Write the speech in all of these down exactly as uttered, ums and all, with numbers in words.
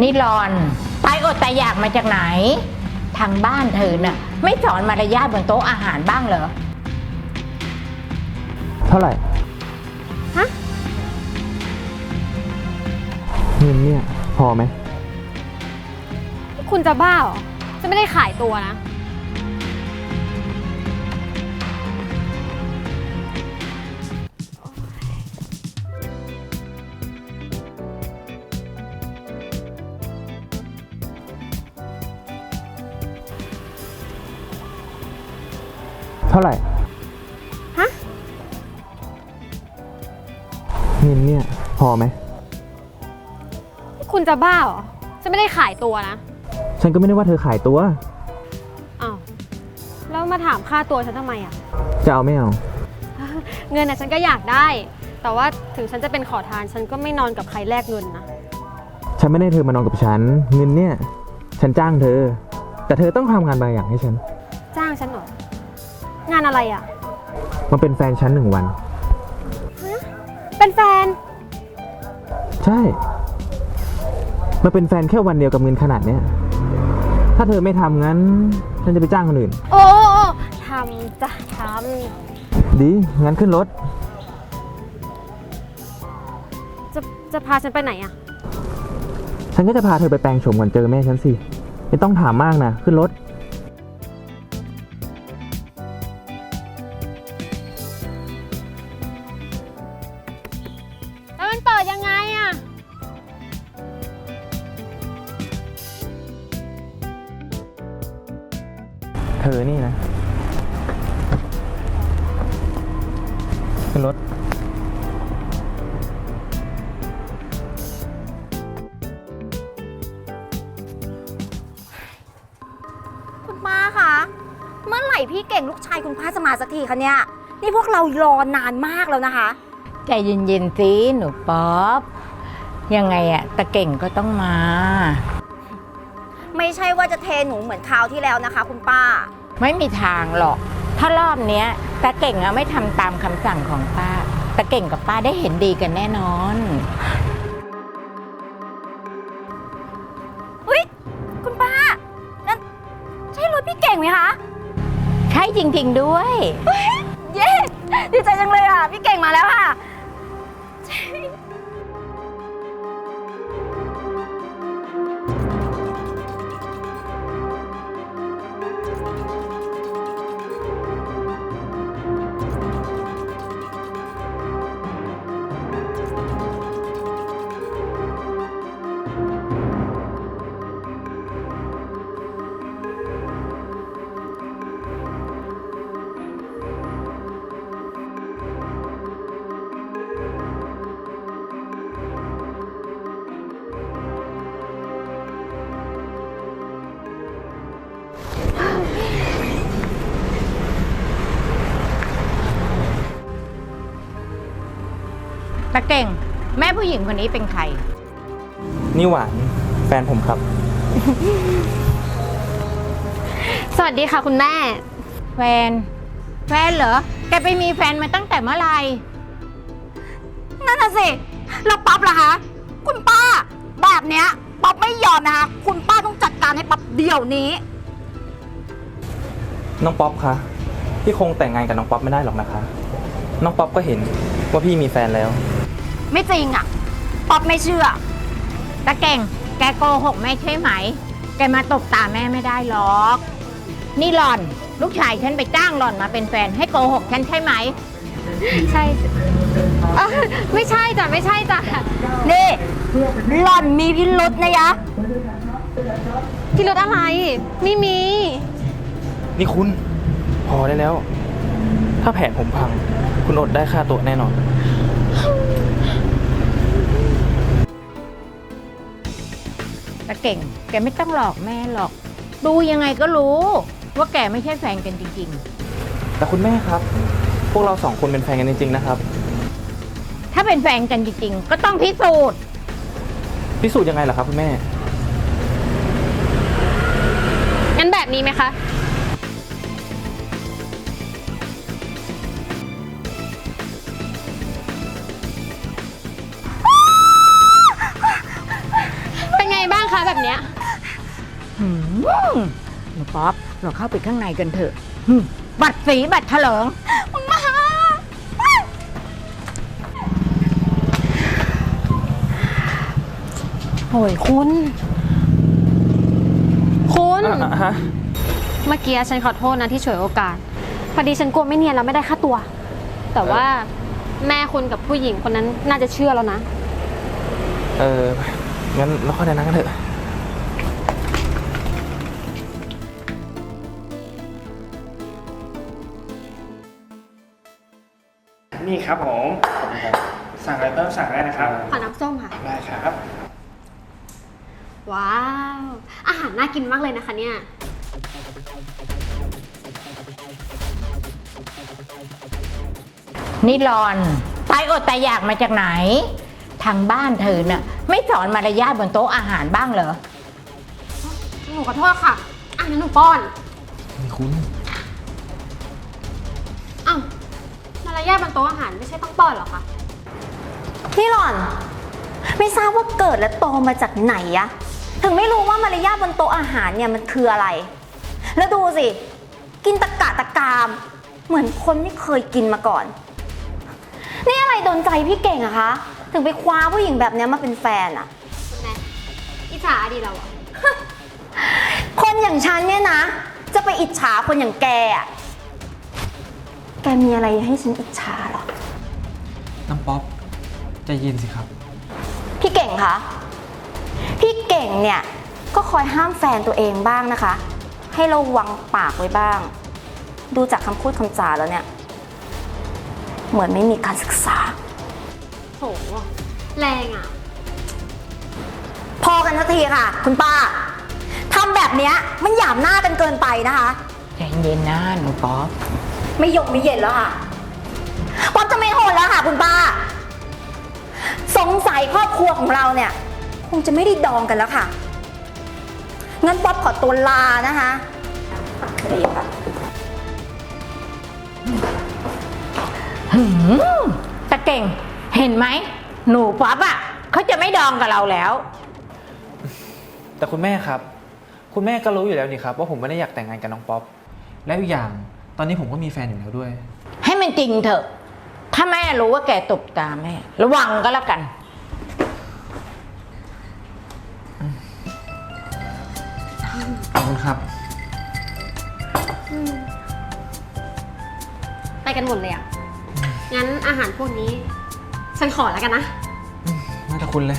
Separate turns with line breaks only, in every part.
นี่รอนตายอดตายอยากมาจากไหนทางบ้านเธอน่ะไม่สอนมารยาทบนโต๊ะอาหารบ้างเหรอ
เท่าไหร่
ฮะ
เงินเนี่ยพอไหม
คุณจะบ้าเหรอจะไม่ได้ขายตัวนะ
เท่าไหร่
ฮะ
เงินเนี่ยพอไหม
คุณจะบ้าเหรอจะไม่ได้ขายตัวนะ
ฉันก็ไม่ได้ว่าเธอขายตัว
อ้าวแล้วมาถามค่าตัวฉันทำไมอ่ะ
จะเอาไม่เอา
เงินน่ะฉันก็อยากได้ แต่ว่าถึงฉันจะเป็นขอทานฉันก็ไม่นอนกับใครแลกเงินนะ
ฉันไม่ได้เธอมานอนกับฉันเงินเนี่ยฉันจ้างเธอแต่เธอต้องทำงานบางอย่างให้ฉัน
จ้างฉันเหรองานอะไรอ่ะ
มันเป็นแฟนฉันหนึ่งวัน
ฮะเป็นแฟน
ใช่มาเป็นแฟนแค่วันเดียวกับเงินขนาดเนี้ยถ้าเธอไม่ทำงั้นฉันจะไปจ้างคนอื่น
โอ้ทำจะท
ำดีงั้นขึ้นรถ
จะจะพาฉันไปไหนอ่ะ
ฉันก็จะพาเธอไปแปลงโฉมก่อนเจอแม่ฉันสิไม่ต้องถามมากนะขึ้นรถ
แล้วมันเปิดยังไงอ่ะ
เธอนี่นะขึ้นรถ
คุณป้าคะเมื่อไหร่พี่เก่งลูกชายคุณป้าจะมาสักทีคะเนี่ยนี่พวกเรารอนานมากแล้วนะคะ
ใจเย็นๆสิหนูป๊อปยังไงอะตะเก่งก็ต้องมา
ไม่ใช่ว่าจะเทหนูเหมือนคราวที่แล้วนะคะคุณป้า
ไม่มีทางหรอกถ้ารอบเนี้ยตะเก่งอะไม่ทำตามคำสั่งของป้าตะเก่งกับป้าได้เห็นดีกันแน่นอน
เฮ้ยคุณป้านั่นใช่รถพี่เก่งไหมคะ
ใช่จริงๆด้วย
เย้ดีใจจังเลยอ่ะพี่เก่งมาแล้วค่ะ
ตะเก่งแม่ผู้หญิงคนนี้เป็นใคร
นี่หวานแฟนผมครับ
สวัสดีค่ะคุณแม่
แฟนแฟนเหรอแกไปมีแฟนมาตั้งแต่เมื่อไหร่
นั่นน่ะสิแล้วป๊อปล่ะคะคุณป้าแบบเนี้ยป๊อปไม่ยอมนะคะคุณป้าต้องจัดการให้ป๊อปเดี๋ยวนี้
น้องป๊อปคะพี่คงแต่งงานกับน้องป๊อปไม่ได้หรอกนะคะน้องป๊อปก็เห็นว่าพี่มีแฟนแล้ว
ไม่จริงอ่ะป๊อปไม่เชื่อ
ตะเก่งแกโกหกไม่ใช่ไหมแกมาตบตาแม่ไม่ได้หรอกนี่หล่อนลูกชายฉันไปจ้างหล่อนมาเป็นแฟนให้โกหกฉันใช่ไหม
ใช่ไม่ใช่จ้ะไม่ใช่จ้ะ
นี่หล่อนมีพิรุธนะยะ
พิรุธอะไรไม่มี
นี่คุณพอได้แล้วถ้าแผนผมพังคุณอดได้ค่าตัวแน่นอน
ตะเก่งแกไม่ต้องหลอกแม่หรอกดูยังไงก็รู้ว่าแกไม่ใช่แฟนกันจริง
ๆแต่คุณแม่ครับพวกเราสองคนเป็นแฟนกันจริงๆนะครับ
ถ้าเป็นแฟนกันจริงๆก็ต้องพิสูจน์
พิสูจน์ยังไงล่ะครับคุณแม่
งั้นแบบนี้ไหมคะเป็นไงบ้างคะคะแบบเนี้ย
หืมหนูป๊อปเราเข้าไปข้างในกันเถอะหืมบัตรสีบัตรเถลิง
คุณมา
โอ้ยคุณ คุณ
อ่ะฮะ
เมื่อกี้ฉันขอโทษนะที่ฉวยโอกาส พอดีฉันกลัวไม่เนียนแล้วไม่ได้ค่าตัว แต่ว่าแม่คุณกับผู้หญิงคนนั้นน่าจะเชื่อแล้วนะ
เออ งั้นเราเข้าในนั้นกันเถอะ
นี่ครับผม สั่งอะไรเพิ่มสั่งได้นะครับ
ขอน้ำส้มค่ะ
ได้ครับ
ว้าว อาหารน่ากินมากเลยนะคะเนี่ย
นี่หลอนตายอดตายอยากมาจากไหน ทางบ้านเธอน่ะไม่สอนมารยาทบนโต๊ะอาหารบ้างเหรอ
หนูขอโทษค่ะอ่ะงั้นหนูป้อน
นี่คุณ
อ้าวมารยาทบนโต๊ะอาหารไม่ใช่ต้องป้อนเหรอคะ
พี่หล่อน ไม่ทราบว่าเกิดและโตมาจากไหนอะถึงไม่รู้ว่ามารยาทบนโต๊ะอาหารเนี่ยมันคืออะไร แล้วดูสิ กินตะกะตะกาม เหมือนคนไม่เคยกินมาก่อน นี่อะไรโดนใจพี่เก่งอะคะ ถึงไปคว้าผู้หญิงแบบเนี้ยมาเป็นแฟนอะ
คุณแม่อิจฉาดีเราอะ
คนอย่างฉันเนี่ยนะ จะไปอิจฉาคนอย่างแกอะแกมีอะไรให้ฉันอิจฉาเหรอ
น้ำป๊อปใจเย็นสิครับ
พี่เก่งคะ พี่เก่งเนี่ยก็คอยห้ามแฟนตัวเองบ้างนะคะ ให้ระวังปากไว้บ้าง ดูจากคำพูดคำจาแล้วเนี่ย เหมือนไม่มีการศึกษา
โห แรงอะ
พอกันสักทีค่ะ คุณป้าทำแบบเนี้ยมันหยามหน้ากันเกินไปนะคะ
ใจเย็นนะหนูป๊อป
ไม่ยกไม่เย็นแล้วค่ะป๊อปจะไม่โหดแล้วค่ะ คุณป้า สงสัยครอบครัวของเราเนี่ย คงจะไม่ได้ดองกันแล้วค่ะ งั้นป๊อปขอตัวลานะคะดีค่ะ
หืมตะเก่งเห็นไหมหนูป๊อปอ่ะเขาจะไม่ดองกับเราแล้ว
แต่คุณแม่ครับ คุณแม่ก็รู้อยู่แล้วนี่ครับว่าผมไม่ได้อยากแต่งงานกับน้องป๊อป แล้วอีกอย่าง ตอนนี้ผมก็มีแฟนอยู่แล้วด้วย
ให้มันจริงเถอะ ถ้าแม่รู้ว่าแกตบตาแม่ ระวังก็แล้วกัน
ขอบคุณครับ
ไปกันหมดเลยอะงั้นอาหารพวกนี้ ฉันขอแล้วกันนะ
น่าจะคุณเลย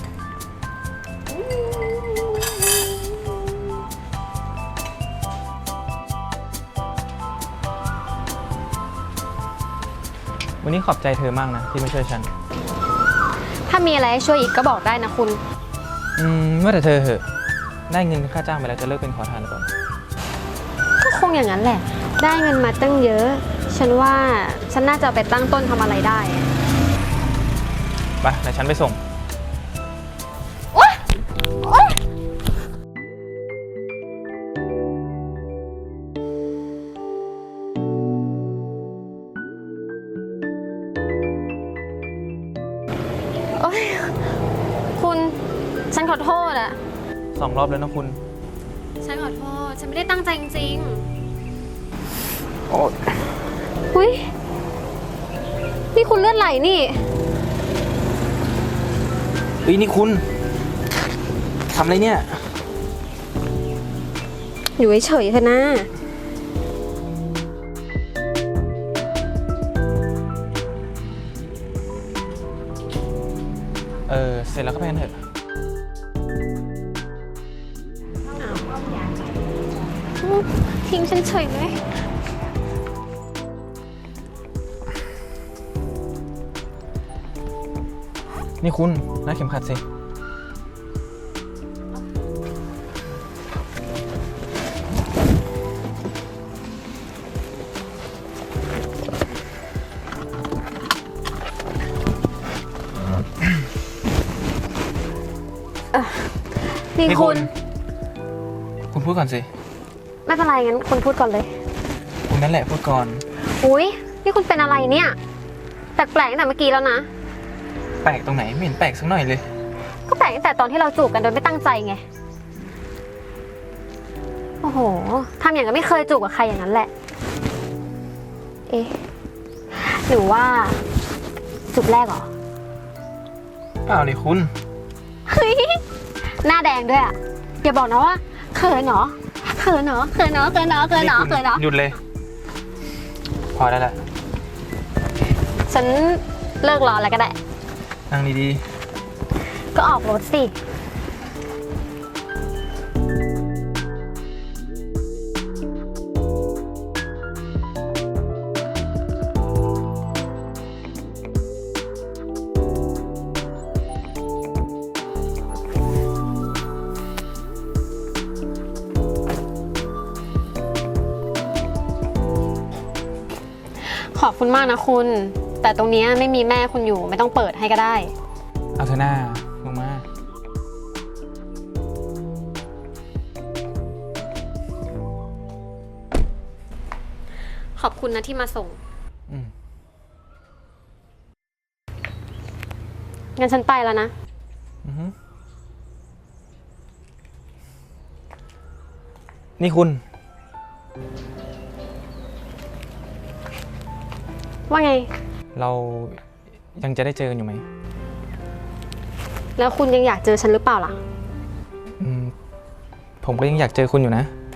วันนี้ขอบใจเธอมากนะที่มาช่วยฉัน
ถ้ามีอะไรให้ช่วยอีกก็บอกได้นะคุณ
อืมว่าแต่เธอเหอะ ได้เงินค่าจ้างไปแล้วจะเลิกเป็นขอทานหรือเปล่า
ก็คงอย่างนั้นแหละ ได้เงินมาตั้งเยอะ ฉันว่าฉันน่าจะเอาไปตั้งต้นทำอะไรได้
ไปเดี๋ยวฉันไปส่ง
โอ๊ย คุณ ฉันขอโทษอะ
สองรอบแล้วนะคุณ
ฉันขอโทษ ฉันไม่ได้ตั้งใจจริง
โอ้
ๆอุ้ยนี่คุณเลือดไหลนี่
เฮ้ยนี่คุณทำอะไรเนี่ย
อยู่เฉยๆเถอะนะ
เออ เสร็จแล้วก็ไปกันเถอะ
ทิ้งฉันเฉยเลย
นี่คุณรัดเข็มขัดสิ
นี่
นี่
คุ
คุณ ณ คุณพูดก่อนสิ
ไม่เป็นไรงั้นคุณพูดก่อนเลย
คุณนั่นแหละพูดก่อน
อุ้ยนี่คุณเป็นอะไรเนี่ย แปลกๆตั้งแต่เมื่อกี้แล้วนะ
แปลกตรงไหนไม่เห็นแปลกสักหน่อยเลย
ก็แปลกตั้งแต่ตอนที่เราจูบกันโดยไม่ตั้งใจไง โอ้โหทำอย่างกับไม่เคยจูบกับใครอย่างนั้นแหละ เอ๊ะหรือว่าจูบแรกเหรอ
เปล่าดิคุณ
เฮ้ยหน้าแดงด้วยอ่ะอย่าบอกนะว่าเขินเหรอเขินเหรอเขินเหรอเขินเหรอเขินเหรอเขินเหรอ
หยุดเลย พอได้แล้ว
ฉันเลิกรอแล้วก็ได้
นั่งดี
ก็ออกรถสิ ขอบคุณมากนะคุณ แต่ตรงเนี้ยไม่มีแม่คุณอยู่ไม่ต้องเปิดให้ก็ได้
ๆ เอาเธอหน้าลงมา
ขอบคุณนะที่มาส่ง
อืม
งั้นฉันไปแล้วนะ
อือฮึนี่คุณ
ว่าไง
เรายังจะได้เจอกันอยู่ไหม
แล้วคุณยังอยากเจอฉันหรือเปล่าล่ะ
อืม ผมก็ยังอยากเจอคุณอยู่นะ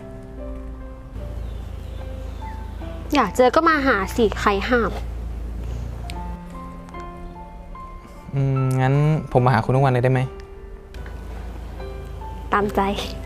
อยากเจอก็มาหาสิใครห้าม
อืม งั้นผมมาหาคุณทุกวันเลยได้ไหม
ตามใจ